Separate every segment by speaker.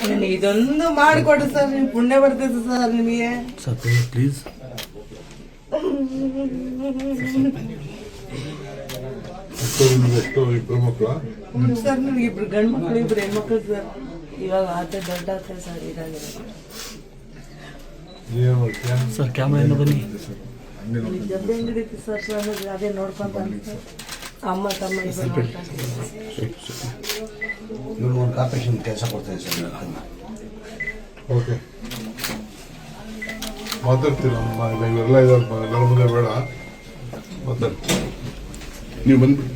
Speaker 1: ಇದೊಂದು ಮಾಡಿಕೊಡಿ ಸರ್, ನೀವು ಪುಣ್ಯ ಬರ್ತೈತೆ ಸರ್ ನಿಮಗೆ.
Speaker 2: Sir please.
Speaker 3: ಇಬ್ಬರು ಮಕ್ಕಳ
Speaker 1: ಸರ್, ನನಗೆ ಇಬ್ರು ಗಂಡು ಮಕ್ಕಳು, ಇಬ್ರು ಹೆಣ್ಮಕ್ಳು ಸರ್. ಇವಾಗ ಆತ ದೊಡ್ಡ ಆಗ್ತದೆ ಸರ್. ಇದಾಗಿದೆ
Speaker 2: ಸರ್ ಕ್ಯಾಮ್ರಾ ಬನ್ನಿ.
Speaker 1: ಜೊತೆ ಹೆಂಗಿದೈತಿ ಸರ್, ಸರ್ ಅದೇ ನೋಡ್ಕೊಂತ ಅಮ್ಮ ತಮ್ಮ ಇಬ್ಬರು
Speaker 4: ಇವ್ರು ಕಾರ್ಪೊರೇಷನ್ ಕೆಲಸ ಕೊಡ್ತಾರೆ ಸರ್.
Speaker 3: ಓಕೆ, ಮಾತಾಡ್ತೀರ ಇವೆಲ್ಲ ಇದ್ದಾರೆ, ಎಲ್ಲರ ಮುಂದೆ ಬೇಡ ಮಾತಾಡ್ತೀವಿ. ನೀವು ಬಂದ್ಬಿಡಿ.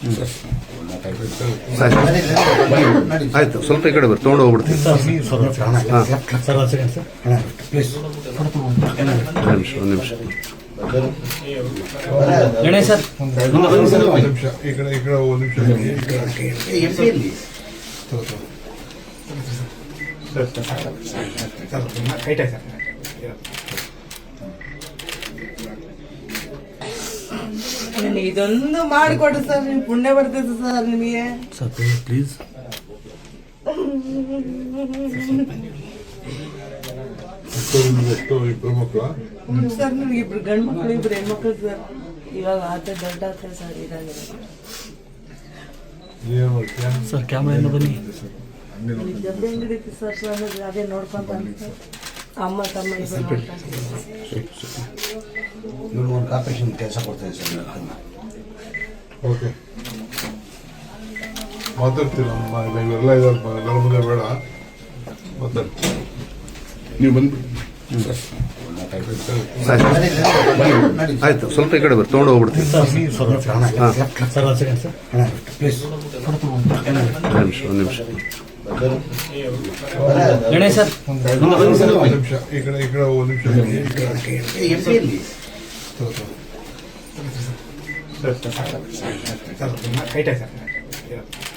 Speaker 5: ಆಯ್ತು, ಸ್ವಲ್ಪ ಈ ಕಡೆ ಬರ್ರಿ, ತೊಗೊಂಡು ಹೋಗ್ಬಿಡ್ತೀನಿ. ಒಂದು ನಿಮಿಷ.
Speaker 2: ಗಣೇಶ್ ಸರ್
Speaker 3: ಒಂದು ನಿಮಿಷ ಈ ಕಡೆ ಒಂದು ನಿಮಿಷ.
Speaker 1: ಇದೊಂದು ಮಾಡಿಕೊಡಿ ಸರ್, ನೀವು ಪುಣ್ಯ ಬರ್ತೈತೆ ಸರ್ ನಿಮಗೆ.
Speaker 2: Sir please.
Speaker 3: ಇಬ್ಬರು ಮಕ್ಕಳ
Speaker 1: ಸರ್, ನನಗೆ ಇಬ್ರು ಗಂಡು ಮಕ್ಕಳು, ಇಬ್ರು ಹೆಣ್ಮಕ್ಳು ಸರ್. ಇವಾಗ ಆತ ದೊಡ್ಡ ಆಗ್ತದೆ ಸರ್. ಇದಾಗಿದೆ
Speaker 2: ಸರ್ ಕ್ಯಾಮ್ರಾ ಬನ್ನಿ.
Speaker 1: ಜೊತೆ ಹೆಂಗಿದೈತಿ ಸರ್, ಸರ್ ಅದೇ ನೋಡ್ಕೊಂತ ಅಮ್ಮ ತಮ್ಮ ಇಬ್ಬರು
Speaker 4: ಇವ್ರು ಕಾರ್ಪೊರೇಷನ್ ಕೆಲಸ ಕೊಡ್ತಾರೆ ಸರ್.
Speaker 3: ಓಕೆ, ಮಾತಾಡ್ತೀರ ಇವೆಲ್ಲ ಇದ್ದಾರೆ, ಎಲ್ಲರ ಮುಂದೆ ಬೇಡ ಮಾತಾಡ್ತೀವಿ. ನೀವು ಬಂದ್ಬಿಡಿ.
Speaker 5: ಆಯ್ತು, ಸ್ವಲ್ಪ ಈ ಕಡೆ ಬರ್ರಿ, ತೊಗೊಂಡು ಹೋಗ್ಬಿಡ್ತೀನಿ. ಒಂದು ನಿಮಿಷ.
Speaker 2: ಗಣೇಶ್ ಸರ್
Speaker 3: ಒಂದು ನಿಮಿಷ ಈ ಕಡೆ ಒಂದು ನಿಮಿಷ.